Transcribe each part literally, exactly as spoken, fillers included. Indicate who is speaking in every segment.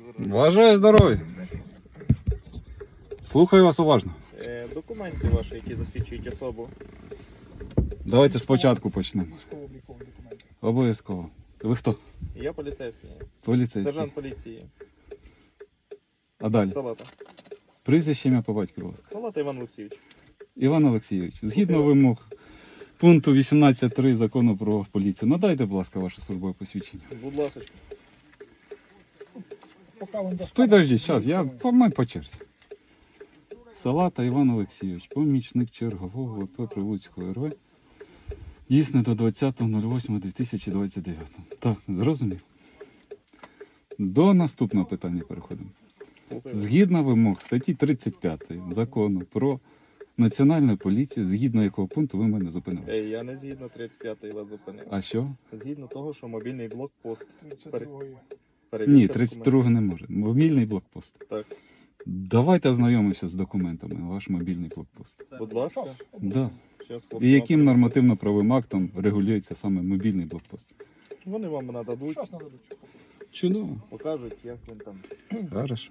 Speaker 1: Бажаю здоров'я. Слухаю вас уважно.
Speaker 2: Е, Документи ваші, які засвідчують особу.
Speaker 1: Давайте спочатку почнемо.
Speaker 3: Військово-облікові документи.
Speaker 1: Обов'язково. Ви хто?
Speaker 2: Я поліцейський.
Speaker 1: Поліцейський.
Speaker 2: Сержант поліції.
Speaker 1: А далі?
Speaker 2: Салата.
Speaker 1: Прізвище, ім'я по батькові, будь ласка.
Speaker 2: Салата Іван Олексійович.
Speaker 1: Іван Олексійович, згідно вимог пункту вісімнадцять три закону про поліцію, надайте, будь ласка, ваше службове посвідчення.
Speaker 2: Будь ласка.
Speaker 3: Поки вам достануть.
Speaker 1: Підождіть, зараз, я по мене по черзі. Салата Іван Олексійович, помічник чергового ВП Прилуцького РВ. Дійсно до двадцятого восьмого дві тисячі двадцять дев'ятого. Так, зрозумів. До наступного питання переходимо. Згідно вимог статті тридцять п'ятої закону про національну поліцію, згідно якого пункту ви мене зупинили.
Speaker 2: Е, Я не згідно тридцять п'ятої вас зупинив.
Speaker 1: А що?
Speaker 2: Згідно того, що мобільний блокпост.
Speaker 3: тридцять другої.
Speaker 2: Перевірка
Speaker 1: Ні,
Speaker 2: документів.
Speaker 1: тридцять другого не може. Мобільний блокпост.
Speaker 2: Так.
Speaker 1: Давайте ознайомимося з документами, ваш мобільний блокпост.
Speaker 2: Будь ласка.
Speaker 1: Да.
Speaker 2: Щас хлопці
Speaker 1: І
Speaker 2: вам
Speaker 1: яким
Speaker 2: принесуть.
Speaker 1: нормативно-правовим актом регулюється саме мобільний блокпост?
Speaker 2: Вони вам нададуть,
Speaker 3: Щось нададуть.
Speaker 1: Чудово.
Speaker 2: покажуть, як він там.
Speaker 1: Хорошо.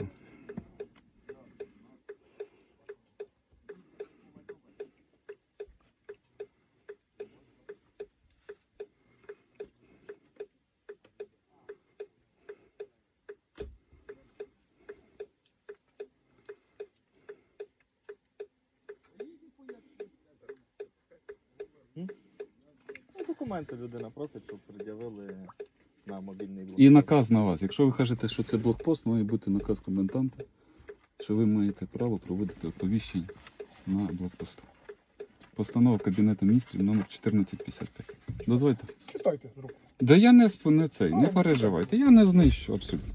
Speaker 2: Ну, документи людина просить, щоб пред'явили на мобільний блокпост.
Speaker 1: І наказ на вас. Якщо ви кажете, що це блокпост, має бути наказ коменданта, що ви маєте право проводити оповіщення на блокпосту. Постанова Кабінету міністрів номер чотирнадцять п'ятдесят п'ять. Дозвольте.
Speaker 3: Читайте з рук.
Speaker 1: Да я не, сп- не цей, не переживайте, я не знищу абсолютно.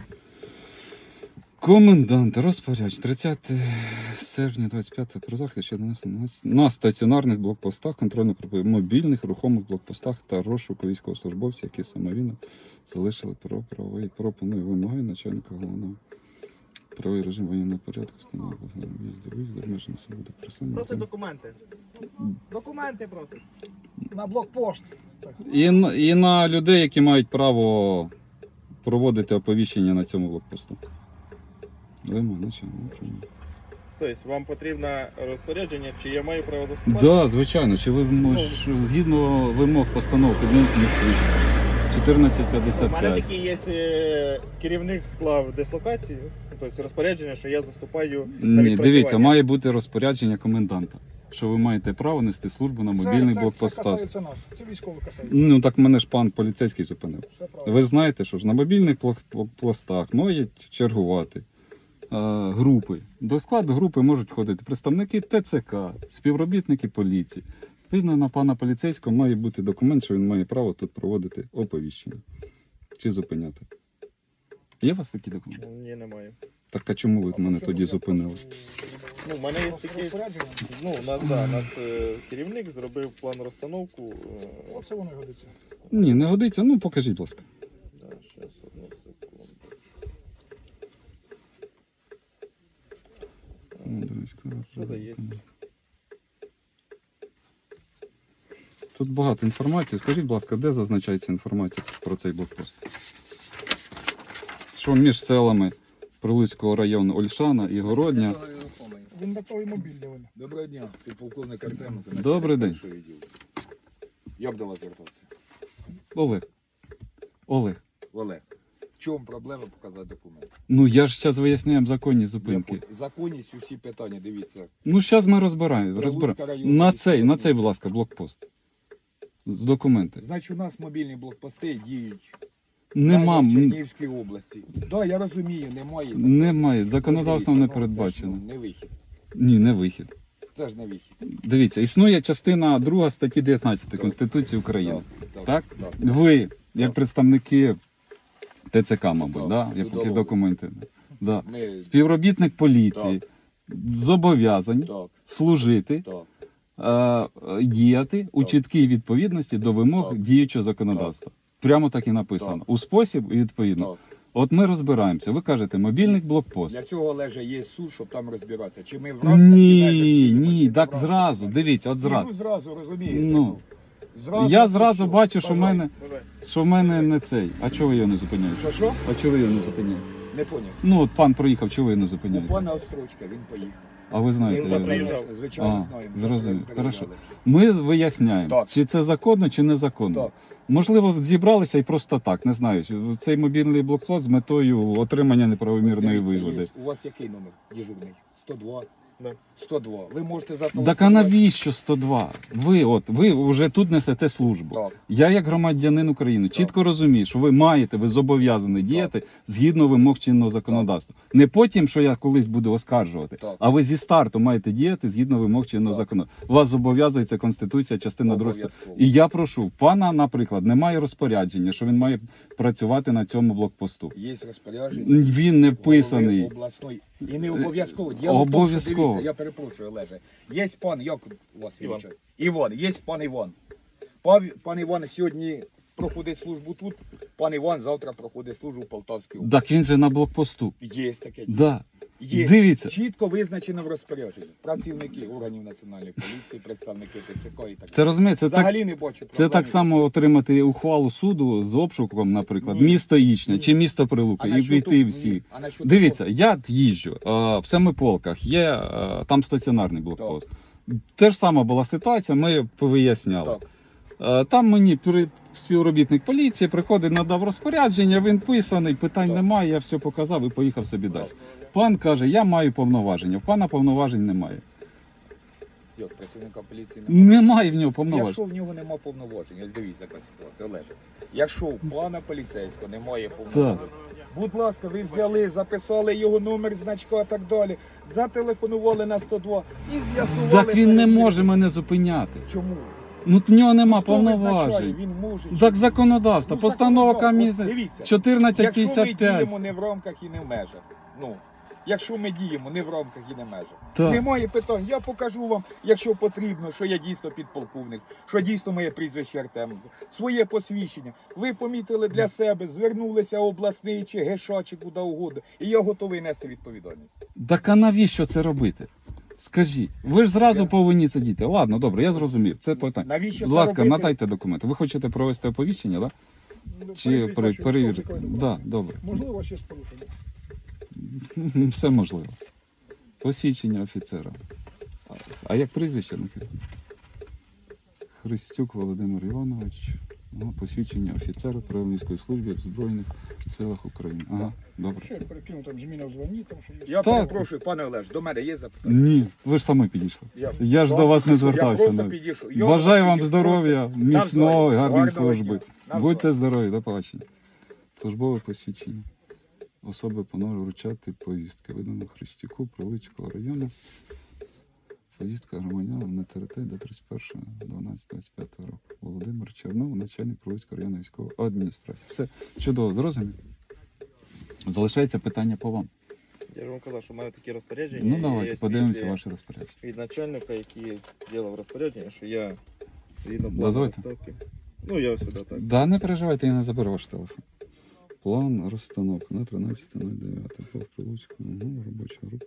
Speaker 1: Комендант, розпоряд, тридцяте серпня двадцять п'ятого про захист щодо нанесення на стаціонарних блокпостах, контрольно-пропускних мобільних рухомих блокпостах та розшуку військовослужбовців, які самовільно залишили про правовий пропоную вимоги начальника головного правовий режим воєнного порядку, встановлення в'їзду, виїзду, обмеження свободи пересування.
Speaker 2: Просить документи. Документи просить.
Speaker 3: На блокпост. Так.
Speaker 1: І, н- і на людей, які мають право проводити оповіщення на цьому блокпосту. Вимоги начальника управління.
Speaker 2: Тобто вам потрібно розпорядження, чи я маю право заступати?
Speaker 1: Так, да, звичайно. Чи ви мож, згідно вимог постанов Кабінету міністрів чотирнадцять
Speaker 2: У
Speaker 1: п'ятдесят
Speaker 2: мене
Speaker 1: п'ять.
Speaker 2: такий є е, керівник склав дислокацію, тобто розпорядження, що я заступаю на
Speaker 1: Ні,
Speaker 2: відпрацювання.
Speaker 1: дивіться, має бути розпорядження коменданта, що ви маєте право нести службу на мобільних
Speaker 3: це,
Speaker 1: блокпостах.
Speaker 3: Це касається нас. Це військово касається.
Speaker 1: Ну так мене ж пан поліцейський зупинив.
Speaker 3: Все правильно.
Speaker 1: Ви знаєте, що ж на мобільних блокпостах мають чергувати е, групи. До складу групи можуть входити представники ТЦК, співробітники поліції. Відповідно, на пана поліцейського має бути документ, що він має право тут проводити оповіщення чи зупиняти. Є у вас такі документи?
Speaker 2: Ні, немає.
Speaker 1: Так а чому ви
Speaker 3: А
Speaker 1: мене
Speaker 3: по
Speaker 1: тоді
Speaker 3: чому я
Speaker 1: зупинили?
Speaker 3: прошу-
Speaker 2: Ну, в мене є
Speaker 3: прошу
Speaker 2: такі,
Speaker 3: розпорядження?
Speaker 2: ну, у нас, да, у нас е, керівник зробив план розстановку. е,
Speaker 3: Оце воно і годиться.
Speaker 1: Ні, не годиться. Ну покажіть, будь ласка.
Speaker 2: Да, щас, одну секунду.
Speaker 1: Ну, дивись,
Speaker 2: Що це є?
Speaker 1: Тут багато інформації. Скажіть, будь ласка, де зазначається інформація про цей блокпост? Що між селами Прилуцького району Ольшана і Городня?
Speaker 3: Він готовий мобільний. Він.
Speaker 4: Доброго дня, ти полковник Артеменко.
Speaker 1: Добрий день.
Speaker 4: Першого відділу. Як до вас звертатися?
Speaker 1: Олег. Олег.
Speaker 4: Олег, в чому проблема показати документи?
Speaker 1: Ну я ж зараз виясняємо законні зупинки.
Speaker 4: Я по- Законність усі питання, дивіться.
Speaker 1: Ну зараз ми розбираємо. розбираємо.
Speaker 4: Прилуцька районна
Speaker 1: На
Speaker 4: військова
Speaker 1: цей, на цей,
Speaker 4: адміністрація.
Speaker 1: будь ласка, блокпост. З документи.
Speaker 4: Значить, у нас мобільні блокпости діють
Speaker 1: Нема.
Speaker 4: в
Speaker 1: м,
Speaker 4: Чернігівській області. Так, да, я розумію, немає.
Speaker 1: Немає. Законодавством не
Speaker 4: Дивіться, ну, це ж,
Speaker 1: передбачено.
Speaker 4: ну, не вихід.
Speaker 1: Ні, не вихід.
Speaker 4: Це ж не вихід.
Speaker 1: Дивіться, існує частина друга статті дев'ятнадцять Конституції України.
Speaker 4: Так?
Speaker 1: Так?
Speaker 4: так.
Speaker 1: Ви, як
Speaker 4: Так.
Speaker 1: представники ТЦК, мабуть,
Speaker 4: Так,
Speaker 1: да? як
Speaker 4: судового.
Speaker 1: які документи. Да.
Speaker 4: Ми...
Speaker 1: Співробітник поліції зобов'язані
Speaker 4: Так,
Speaker 1: служити,
Speaker 4: так.
Speaker 1: е, діяти у
Speaker 4: Так.
Speaker 1: чіткій відповідності до вимог
Speaker 4: Так.
Speaker 1: діючого законодавства. Прямо так і написано.
Speaker 4: Так.
Speaker 1: У спосіб і відповідно.
Speaker 4: так.
Speaker 1: От ми розбираємося. Ви кажете, мобільний блокпост.
Speaker 4: Для цього, Олеже, є суд, щоб там розбиратися. Чи ми в рамках і межах
Speaker 1: Ні,
Speaker 4: діємо, чи
Speaker 1: ні,
Speaker 4: не в
Speaker 1: так
Speaker 4: рамках
Speaker 1: зразу.
Speaker 4: і межах?
Speaker 1: Дивіться, от
Speaker 4: Ні,
Speaker 1: зразу.
Speaker 4: ну зразу, розумієте.
Speaker 1: Ну.
Speaker 4: Зразу,
Speaker 1: Я
Speaker 4: ну,
Speaker 1: зразу
Speaker 4: що?
Speaker 1: бачу, що в
Speaker 4: Бажаю.
Speaker 1: мене,
Speaker 2: Давай.
Speaker 1: що в мене не цей. А чого ви його не зупиняєте?
Speaker 4: Що, що?
Speaker 1: А чого ви його не зупиняєте?
Speaker 4: Не поняв.
Speaker 1: Ну, от пан проїхав, чого ви не
Speaker 4: У
Speaker 1: зупиняєте?
Speaker 4: пана Острочка він поїхав.
Speaker 1: А ви знаєте,
Speaker 2: Він
Speaker 1: я-
Speaker 2: заїжджав.
Speaker 4: Звичайно,
Speaker 1: А,
Speaker 4: знаємо.
Speaker 1: зрозумів.
Speaker 4: Переїжджали.
Speaker 1: Хорошо. Ми виясняємо,
Speaker 4: Так.
Speaker 1: чи це законно, чи незаконно.
Speaker 4: Так.
Speaker 1: Можливо, зібралися і просто так, не знаю. Цей мобільний блокпост з метою отримання неправомірної
Speaker 4: Дивіться,
Speaker 1: вигоди.
Speaker 4: є. У вас який номер дежурний? сто два?
Speaker 2: Да.
Speaker 4: сто два. Ви можете
Speaker 1: Так а
Speaker 4: зателефонувати.
Speaker 1: навіщо сто два? Ви от ви вже тут несете службу.
Speaker 4: Так.
Speaker 1: Я, як громадянин України, чітко розумію, що ви маєте, ви зобов'язані діяти згідно вимог чинного законодавства. Не потім, що я колись буду оскаржувати,
Speaker 4: Так.
Speaker 1: а ви зі старту маєте діяти згідно вимог чинного
Speaker 4: Так.
Speaker 1: законодавства. Вас зобов'язується Конституція, частина друга.
Speaker 4: Обов'язково.
Speaker 1: І я прошу, пана, наприклад, немає розпорядження, що він має працювати на цьому блокпосту.
Speaker 4: Є розпорядження.
Speaker 1: Він не
Speaker 4: голови
Speaker 1: вписаний.
Speaker 4: обласної. І не обов'язково. Діло в тому, що,
Speaker 1: Обов'язково.
Speaker 4: дивіться, я перепрошую, Олеже. Є пан, як у вас
Speaker 2: Іван.
Speaker 4: величать? Іван, є пан Іван. Пан, пан Іван сьогодні проходить службу тут, пан Іван завтра проходить службу в Полтавській області.
Speaker 1: Так він же на блокпосту.
Speaker 4: Є таке діло.
Speaker 1: Да.
Speaker 4: Є.
Speaker 1: Дивіться.
Speaker 4: Чітко визначено в розпорядженні. Працівники органів національної поліції, представники ТЦК і так
Speaker 1: Це
Speaker 4: далі.
Speaker 1: розумієте, це так.
Speaker 4: Взагалі не бачу
Speaker 1: Це
Speaker 4: проблем.
Speaker 1: так само отримати ухвалу суду з обшуком, наприклад,
Speaker 4: Ні.
Speaker 1: місто Ічня
Speaker 4: Ні.
Speaker 1: чи місто
Speaker 4: А
Speaker 1: Прилука, і
Speaker 4: насчет
Speaker 1: війти
Speaker 4: того-
Speaker 1: всі.
Speaker 4: ні. А насчет
Speaker 1: Дивіться,
Speaker 4: того-
Speaker 1: я їжджу е, в Семиполках, є е, там стаціонарний блокпост. Те ж сама була ситуація, ми повиясняли.
Speaker 4: Так.
Speaker 1: Е, Там мені при- співробітник поліції приходить, надав розпорядження, він писаний, питань
Speaker 4: Так.
Speaker 1: немає, я все показав і поїхав собі далі. Пан каже, я маю повноваження, в пана повноважень немає.
Speaker 4: Як працівника поліції немає?
Speaker 1: Немає в нього повноважень.
Speaker 4: Якщо в нього немає повноважень, ось дивіться, яка ситуація, Олеже. Якщо у пана поліцейського немає повноважень, будь ласка, ви взяли, записали його номер, значка і так далі, зателефонували на сто два і з'ясували.
Speaker 1: Так він не
Speaker 4: перевірку.
Speaker 1: може мене зупиняти.
Speaker 4: Чому?
Speaker 1: Ну в нього нема
Speaker 4: Хто визначає,
Speaker 1: повноважень.
Speaker 4: Він може.
Speaker 1: Так
Speaker 4: чи-
Speaker 1: законодавство,
Speaker 4: Ну,
Speaker 1: постанова
Speaker 4: законодавство. От
Speaker 1: комісії
Speaker 4: Дивіться,
Speaker 1: чотирнадцять
Speaker 4: якщо ми
Speaker 1: п'ятдесят п'ять.
Speaker 4: діємо не в рамках і не в межах, ну, якщо ми діємо не в рамках і не в межах,
Speaker 1: Так.
Speaker 4: немає питань. Я покажу вам, якщо потрібно, що я дійсно підполковник, що дійсно моє прізвище Артем, своє посвідчення. Ви помітили для себе, звернулися обласний чи ГШ, чи куди угодно, і я готовий нести відповідальність.
Speaker 1: Так а навіщо це робити? Скажіть, ви ж зразу
Speaker 4: Я-
Speaker 1: повинні це діти. Ладно, добре, я зрозумів. Це питання.
Speaker 4: Навіщо
Speaker 1: Будь
Speaker 4: це
Speaker 1: ласка,
Speaker 4: робити?
Speaker 1: надайте документи. Ви хочете провести оповіщення, так?
Speaker 3: Ну,
Speaker 1: Чи
Speaker 3: перевірити,
Speaker 1: пере-
Speaker 3: що
Speaker 1: перевірити?
Speaker 3: військовий
Speaker 1: Так,
Speaker 3: документ.
Speaker 1: да, добре.
Speaker 3: Можливо, ще з порушенням.
Speaker 1: Все можливо. Посвідчення офіцера. А- А як прізвище? Микита? Христюк Володимир Іванович. Ага, посвідчення офіцера Правильницької служби в Збройних силах України. Ага, добре.
Speaker 3: Що я перекину там зміна в званні, там що є.
Speaker 4: Я
Speaker 1: Так.
Speaker 4: перепрошую, пане Олеж, до мене є запитання?
Speaker 1: Ні, ви ж самі підійшли.
Speaker 4: Я,
Speaker 1: Я ж до вас не
Speaker 4: Я
Speaker 1: звертався.
Speaker 4: просто
Speaker 1: навіть.
Speaker 4: підійшов. Я
Speaker 1: Бажаю
Speaker 4: вам
Speaker 1: вам
Speaker 4: підійшов.
Speaker 1: здоров'я, міцного,
Speaker 4: Навзаєм.
Speaker 1: гарної
Speaker 4: Гарного
Speaker 1: служби.
Speaker 4: дня. Навзаєм.
Speaker 1: Будьте здорові, до побачення. Службове посвідчення. Особи панове вручати повістки. Видано Христюку, Прилуцького району. Повістка громадянам на території до тридцять першого дванадцятого двадцять п'ятого року. Володимир Чернов, начальник Прилуцького районної військової адміністрації. Все чудово, зрозумів. Залишається питання по вам.
Speaker 2: Я ж вам казав, що маю такі розпорядження.
Speaker 1: Ну
Speaker 2: і
Speaker 1: давайте,
Speaker 2: є
Speaker 1: подивимося
Speaker 2: свідки
Speaker 1: ваше розпорядження.
Speaker 2: від начальника, який ділав розпорядження, що я згідно плану
Speaker 1: Дозвольте.
Speaker 2: розставки. Ну, я сюди так.
Speaker 1: Да, не переживайте, я не заберу ваш телефон. План розстановки на тринадцяте дев'яте по Прилуцькому, ну, робоча група.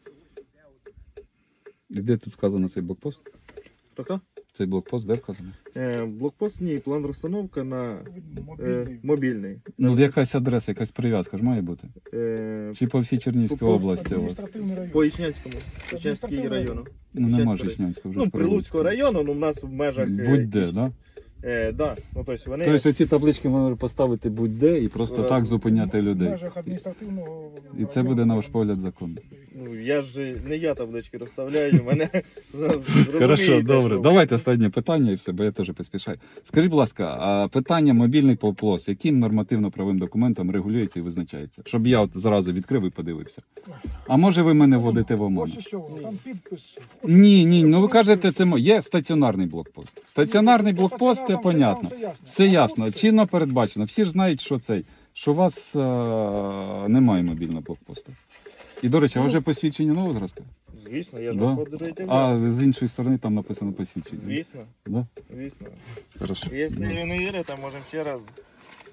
Speaker 1: І де тут вказано цей блокпост?
Speaker 2: Хто хто?
Speaker 1: Цей блокпост де вказано?
Speaker 2: Е, блокпост, ні, план розстановка на е,
Speaker 3: Мобільний.
Speaker 2: мобільний.
Speaker 1: Ну, якась адреса, якась прив'язка ж має бути.
Speaker 2: Е,
Speaker 1: Чи по всій Чернігівській
Speaker 2: По- по
Speaker 1: області у вас?
Speaker 3: Адміністративний район.
Speaker 2: по Ічнянському, Ічнянський
Speaker 3: Адміністративний
Speaker 2: району.
Speaker 1: Ну, нема
Speaker 2: Ічнянського
Speaker 1: Жичнянського вже.
Speaker 2: Ну,
Speaker 1: ж
Speaker 2: Прилуцького району, ну, в нас в межах... е,
Speaker 1: Будь-де,
Speaker 2: Іч-
Speaker 1: да?
Speaker 2: Е, да, ну, тобто вони...
Speaker 1: Тобто оці таблички можна поставити будь-де і просто
Speaker 2: Е,
Speaker 1: так зупиняти
Speaker 3: В
Speaker 1: людей.
Speaker 3: межах адміністративного
Speaker 1: І це
Speaker 3: району.
Speaker 1: буде, на ваш погляд, законно.
Speaker 2: Ну, я ж не я таблички розставляю, мене
Speaker 1: Хорошо, добре. Давайте останнє питання і все, бо я теж поспішаю. Скажіть, будь ласка, а питання мобільний поплос, яким нормативно-правовим документом регулюється і визначається? Щоб я от зразу відкрив і подивився. А може ви мене вводите в оману?
Speaker 3: Ось і що, там підпис.
Speaker 1: Ні, ні, ну ви кажете, це мо- є стаціонарний блокпост. Стаціонарний блокпост, це
Speaker 3: Там все
Speaker 1: понятно.
Speaker 3: там ясно.
Speaker 1: Все
Speaker 3: А
Speaker 1: ясно,
Speaker 3: тут-
Speaker 1: чинно передбачено. Всі ж знають, що цей, що у вас е- немає мобільного блокпосту. І, до речі, а вже посвідчення нового зразка?
Speaker 2: Звісно, я ж
Speaker 1: Да.
Speaker 2: вам подарую.
Speaker 1: А з іншої сторони там написано посвідчення.
Speaker 2: Звісно,
Speaker 1: Да?
Speaker 2: звісно.
Speaker 1: Хорошо.
Speaker 2: Якщо ви не вірите, можемо ще раз